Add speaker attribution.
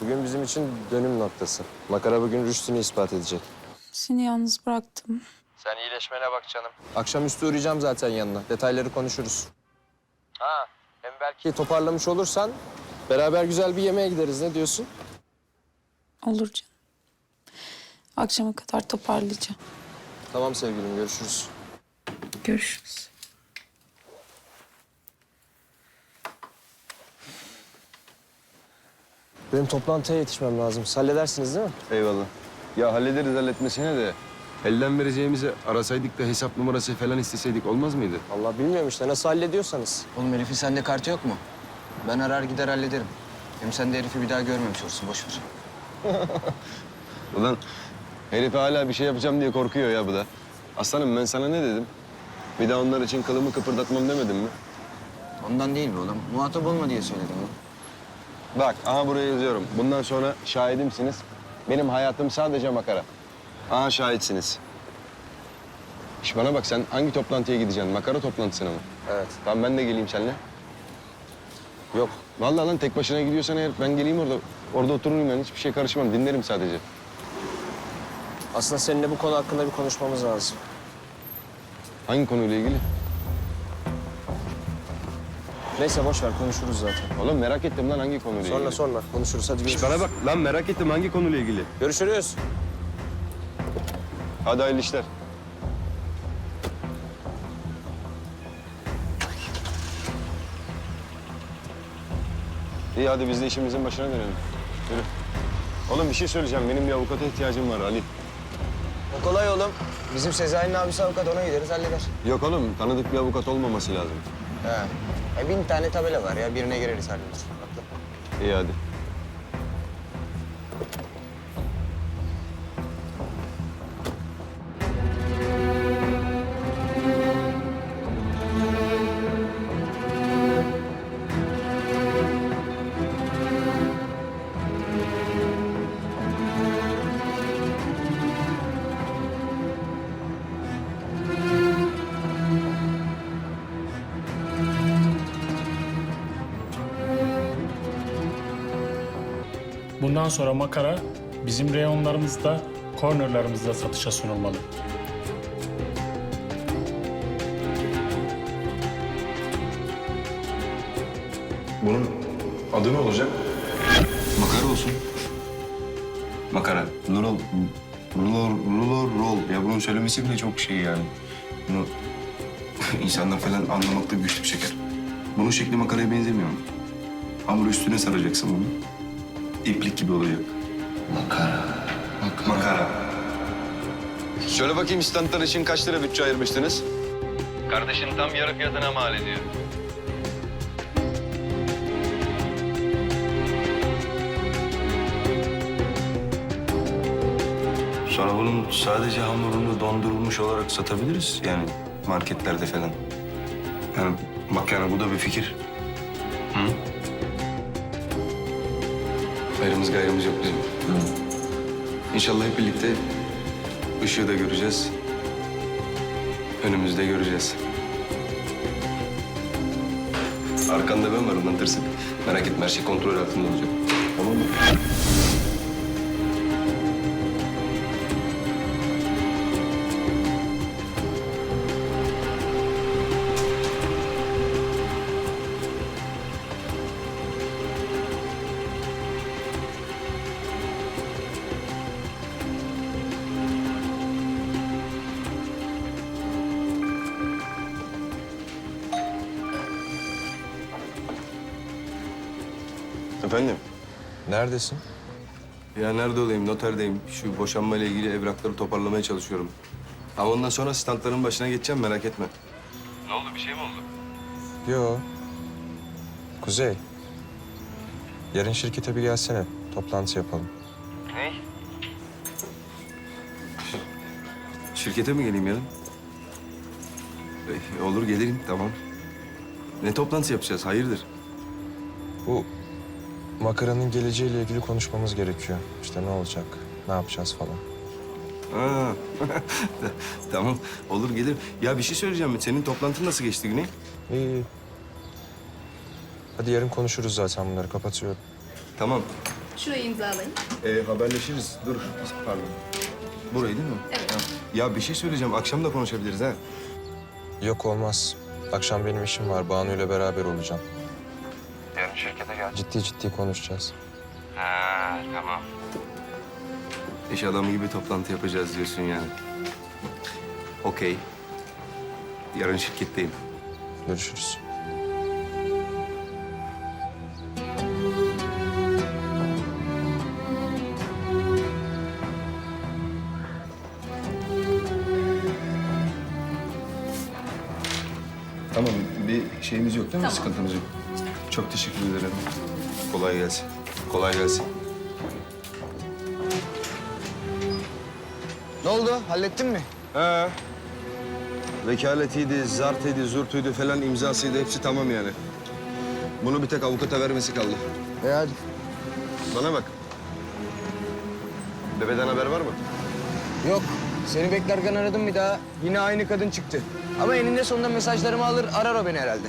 Speaker 1: Bugün bizim için dönüm noktası. Makara bugün rüştünü ispat edecek.
Speaker 2: Seni yalnız bıraktım.
Speaker 1: Sen iyileşmene bak canım. Akşamüstü uğrayacağım zaten yanına. Detayları konuşuruz. Ha, hem belki toparlamış olursan beraber güzel bir yemeğe gideriz. Ne diyorsun?
Speaker 2: Olur canım. Akşama kadar toparlayacağım.
Speaker 1: Tamam sevgilim, görüşürüz.
Speaker 2: Görüşürüz.
Speaker 1: Benim toplantıya yetişmem lazım. Siz halledersiniz değil mi?
Speaker 3: Eyvallah. Ya hallederiz halletmesine de. Elden vereceğimizi arasaydık da hesap numarası falan isteseydik olmaz mıydı?
Speaker 1: Allah bilmiyorum işte. Nasıl hallediyorsanız.
Speaker 4: Oğlum herifin sende kartı yok mu? Ben arar gider hallederim. Hem sen de herifi bir daha görmemiş olursun, boş ver.
Speaker 3: Ulan herife hala bir şey yapacağım diye korkuyor ya bu da. Aslanım ben sana ne dedim? Bir daha onlar için kılımı kıpırdatmam demedim mi?
Speaker 4: Ondan değil mi oğlum? Muhatap olma diye söyledim oğlum.
Speaker 3: Bak aha buraya yazıyorum. Bundan sonra şahidimsiniz. Benim hayatım sadece makara. Aha şahitsiniz. İş bana bak, sen hangi toplantıya gideceksin? Makara toplantısına mı?
Speaker 1: Evet.
Speaker 3: Tamam ben de geleyim seninle.
Speaker 1: Yok.
Speaker 3: Vallahi lan tek başına gidiyorsan eğer ben geleyim orada. Orada otururum yani, hiçbir şey karışmam. Dinlerim sadece.
Speaker 1: Aslında seninle bu konu hakkında bir konuşmamız lazım.
Speaker 3: Hangi konuyla ilgili?
Speaker 1: Neyse boş ver, konuşuruz zaten.
Speaker 3: Oğlum merak ettim lan hangi konuyla ilgili?
Speaker 1: Sonra konuşuruz. Hadi görüşürüz.
Speaker 3: Bana bak lan, merak ettim hangi konuyla ilgili?
Speaker 1: Görüşürüz.
Speaker 3: Hadi hayırlı işler. İyi hadi biz de işimizin başına dönelim. Yürü. Oğlum bir şey söyleyeceğim. Benim bir avukata ihtiyacım var Ali.
Speaker 4: O kolay oğlum. Bizim Sezai'nin abisi avukat, ona gideriz halleder.
Speaker 3: Yok oğlum, tanıdık bir avukat olmaması lazım.
Speaker 4: He. 1000 tane tabela var ya, birine gireriz halleder. Haklı.
Speaker 3: İyi hadi.
Speaker 5: Bundan sonra makara bizim reyonlarımızda, cornerlarımızda satışa sunulmalı.
Speaker 3: Bunun adı ne olacak?
Speaker 6: Makara olsun. Makara. Lurol. Rol. Ya bunun söylemesi bile çok şey yani. Bunu insanlar falan anlamakta güçlük çeker. Bunun şekli makaraya benzemiyor. Hamur üstüne saracaksın bunu. İplik gibi olacak. Makara.
Speaker 3: Şöyle bakayım, standlar için kaç lira bütçe ayırmıştınız? Kardeşin tam yarı fiyatına mal ediyor.
Speaker 6: Sonra bunun sadece hamurunu dondurulmuş olarak satabiliriz. Yani marketlerde falan. Yani bak yani bu da bir fikir.
Speaker 3: Ayrımız gayrımız yok bizim. İnşallah hep birlikte ışığı da göreceğiz. Önümüzde göreceğiz. Arkanda ben varım lan tırsık. Merak etme, her şey kontrol altında olacak. Tamam mı? Efendim?
Speaker 1: Neredesin?
Speaker 3: Ya nerede olayım? Noterdeyim. Şu boşanmayla ilgili evrakları toparlamaya çalışıyorum. Ama ondan sonra standların başına geçeceğim, merak etme. Ne oldu? Bir şey mi oldu?
Speaker 7: Yo. Kuzey. Yarın şirkete bir gelsene. Toplantı yapalım.
Speaker 3: Şirkete mi geleyim yarın? Olur gelirim, tamam. Ne toplantısı yapacağız? Hayırdır?
Speaker 7: Bu makaranın geleceğiyle ilgili konuşmamız gerekiyor. İşte ne olacak, ne yapacağız falan.
Speaker 3: Ha. Tamam, olur gelirim. Ya bir şey söyleyeceğim. Senin toplantın nasıl geçti Güney?
Speaker 7: İyi, iyi. Hadi yarın konuşuruz zaten bunları. Kapatıyorum.
Speaker 3: Tamam.
Speaker 8: Şurayı imzalayın.
Speaker 3: Haberleşiriz. Dur. Pardon. Burayı değil mi?
Speaker 8: Evet.
Speaker 3: Ya bir şey söyleyeceğim. Akşam da konuşabiliriz ha.
Speaker 7: Yok olmaz. Akşam benim işim var. Banu ile beraber olacağım.
Speaker 3: Yarın şirkete gel.
Speaker 7: Ciddi ciddi konuşacağız.
Speaker 3: Tamam. İş adamı gibi toplantı yapacağız diyorsun yani. Okey. Yarın şirketteyim.
Speaker 7: Görüşürüz.
Speaker 3: Tamam, bir şeyimiz yok değil mi? Sıkıntımız yok. Çok teşekkür ederim. Kolay gelsin. Kolay gelsin.
Speaker 4: Ne oldu? Hallettin mi?
Speaker 3: He. Vekaletiydi, zartıydı, zurtuydu falan imzasıydı. Hepsi tamam yani. Bunu bir tek avukata vermesi kaldı.
Speaker 4: Hadi.
Speaker 3: Bana bak. Bebeden haber var mı?
Speaker 4: Yok. Seni beklerken aradım bir daha. Yine aynı kadın çıktı. Ama eninde sonunda mesajlarımı alır, arar o beni herhalde.